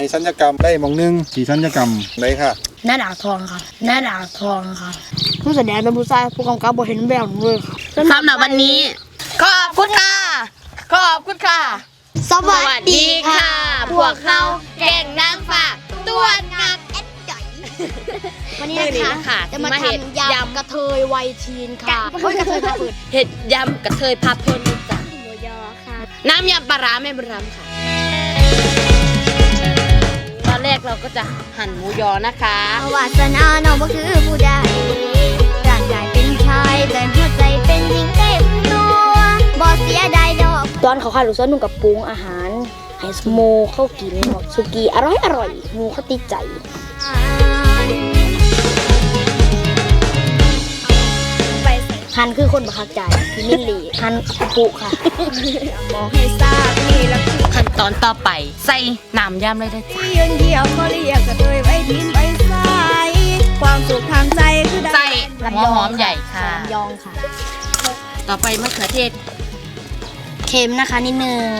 สัญญกรรมได้มองนึงสีสัญญกรรมไหนค่ะหน้าด่างทองค่ะหน้าด่างทองค่ะผู้แสดงเป็นผู้ชายผู้กำกับบ่เห็นแววเลยค่ะสำหรับวันนี้ขอบคุณค่ะขอบคุณค่ะสวัสดีค่ะพวกเขาแก่งนางฟ้าตัวงามแอดจ่อยวันนี้นะคะจะมาทำยำกระเทยไวทีนค่ะกระเทยพาเพิดเห็ดยำกระเทยพาเพิดจ้ะหมูยอค่ะน้ำยำปลาร้าแม่บุญรำค่ะตอนแรกเราก็จะหั่นหมูยอนะคะวาสนาน้องก็คือผู้ใดร่างกายเป็นชายแต่หัวใจเป็นหญิงเต็มตัวบ่เสียดายดอกตอนเขาขายลูกเสือนุ่งกับปรุงอาหารให้สโมเข้ากินหมดสุกี้อร่อยหมูเขาติดใจฮันคือคนบักคักใจพี่มิลลี่ฮันปุค่ะมองให้ทราบนี่แล้วขั้นตอนต่อไปใส่น้ำยำเลยได้จ้ะยืนเดียวเขาเรียกกระเทยไว้ทิ้งไปใส่ความสุขทางใจคือใส่หัวหอมใหญ่ค่ะยองค่ะต่อไปมะเขือเทศเค็มนะคะนิดนึง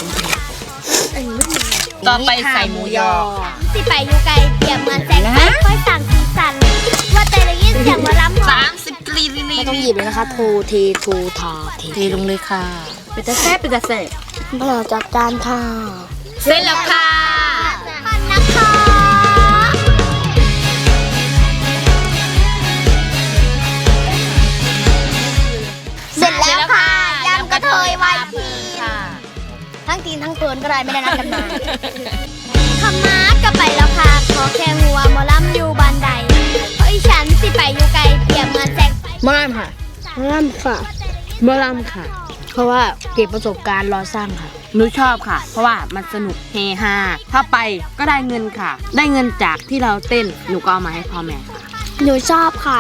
ต่อไปใส่หมูยอสิไปอยู่ไกลเปียกเหมือนแสงไฟค่อยสั่งสีสันว่าแต่ละยินเสียงมาล้ำ 30 กรีไม่ต้องหยิบเลยนะคะโทเทเทลงเลยค่ะเป็นตะแซ่บเป็นตะแซ่บเพื่อจัดจานค่ะเสร็จแล้วค่ะพันนะคะเสร็จแล้วค่ะยำกระเทยไวทีค่ะทั้งตีนทั้งเพินก็ได้ไม่ได้นัดกันมาขมาดก็ไปแล้วค่ะขอแค่หัวหมอลำอยู่บ้านใดเพราะฉันสิไปอยู่ไกลเปียกเหมือนแสงมอลำค่ะมอลำค่ะมอลำค่ะเพราะว่าเก็บประสบการณ์รอสร้างค่ะหนูชอบค่ะเพราะว่ามันสนุกเฮฮาถ้าไปก็ได้เงินค่ะได้เงินจากที่เราเต้นหนูก็เอามาให้พ่อแม่ค่ะหนูชอบค่ะ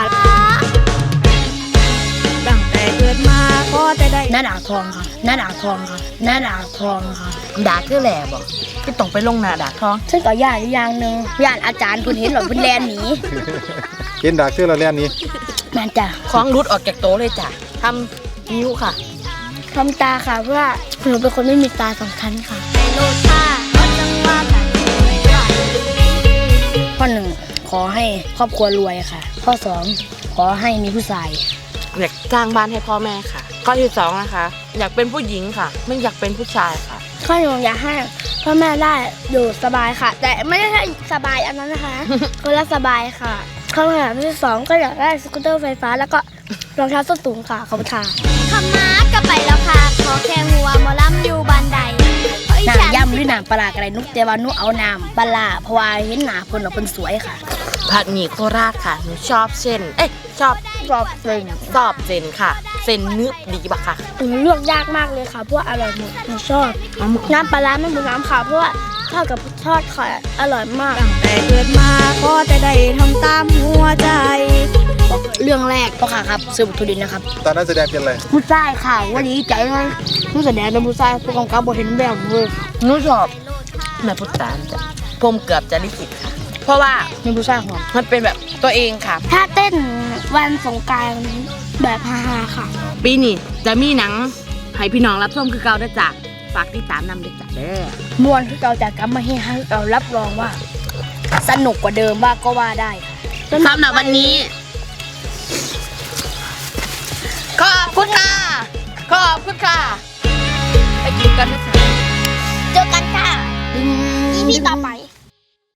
ตั้งแต่เกิดมาก็จะได้หน้าด่างทองค่ะหน้าด่างทองค่ะหน้าด่างทองค่ะด่าคือแหล่บอกก็ต้องไปลงหน้าด่าทองฉันก็ย่านอย่างนึงย่านอาจารย์คุณเห็นหรอคุณแลนหนีเห็นด่าคือเราแล่นนี้แม่จ้ะของรุดออกจากโต๊ะเลยจ้ะทำนิ้วค่ะทำตาค่ะเพราะว่าหนูเป็นคนไม่มีตาสองชั้นค่ะโลดค่ะจังว่ากันข้อ 1ขอให้ครอบครัวรวยค่ะข้อ 2ขอให้มีผู้ชายอยากสร้างบ้านให้พ่อแม่ค่ะข้อที่ 2นะคะอยากเป็นผู้หญิงค่ะไม่อยากเป็นผู้ชายค่ะข้อ 1อยากให้พ่อแม่ได้อยู่สบายค่ะแต่ไม่ได้สบายอันนั้นนะคะคนละสบายค่ะข้อที่ 2ก็อยากได้สกูตเตอร์ไฟฟ้าแล้วก็รองเท้าส้นสูงค่ะขอบคุณค่ะขมาดก็ไปแล้วค่ะขอแค่หัวหมอลำอยู่บ้านใดน้ำยำหรือน้ำปลาอะไรนุกแต่ว่านุเอาน้ำปลาเพราะว่าเห็นหนาคนเราเป็นสวยค่ะผัดหมี่โคราชค่ะหนูชอบเส้นชอบเส้นค่ะเส้นเนื้อดีปะค่ะเลือกยากมากเลยค่ะเพราะว่าอร่อยหมดหนูชอบน้ำปลาไม่เหมือนน้ำขาวเพราะว่าทอดกับทอดค่ะอร่อยมากตั้งแต่เกิดมาก็จะได้ทำตามหัวใจเรื่องแรกพ่อค่ะครับซื้อบุตรดินนะครับตอนนั้นแสดงเป็นอะไรผู้ชายค่ะวันนี้ใจเลยผู้แสดงเป็นผู้ชายผู้กำกับบ่เห็นแบบเลยหนูชอบแม่พุทธานจ้ะผมเกือบจะลิขิตค่ะเพราะว่าเป็นผู้ชายของมันเป็นแบบตัวเองค่ะถ้าเต้นวันสงกรานต์แบบฮาๆค่ะปีนี้จะมีหนังให้พี่น้องรับชมคือเก่าได้จ้ะฝากติดตามนำด้วยจ้ะเด้อมวนคือเก่าจากกำมาเฮฮาคือเก่ารับรองว่าสนุกกว่าเดิมว่าก็ว่าได้สำหรับวันนี้ขอบคุณค่ะขอบคุณค่ะไปกินกันนะคะเจอกันค่ะEPต่อไป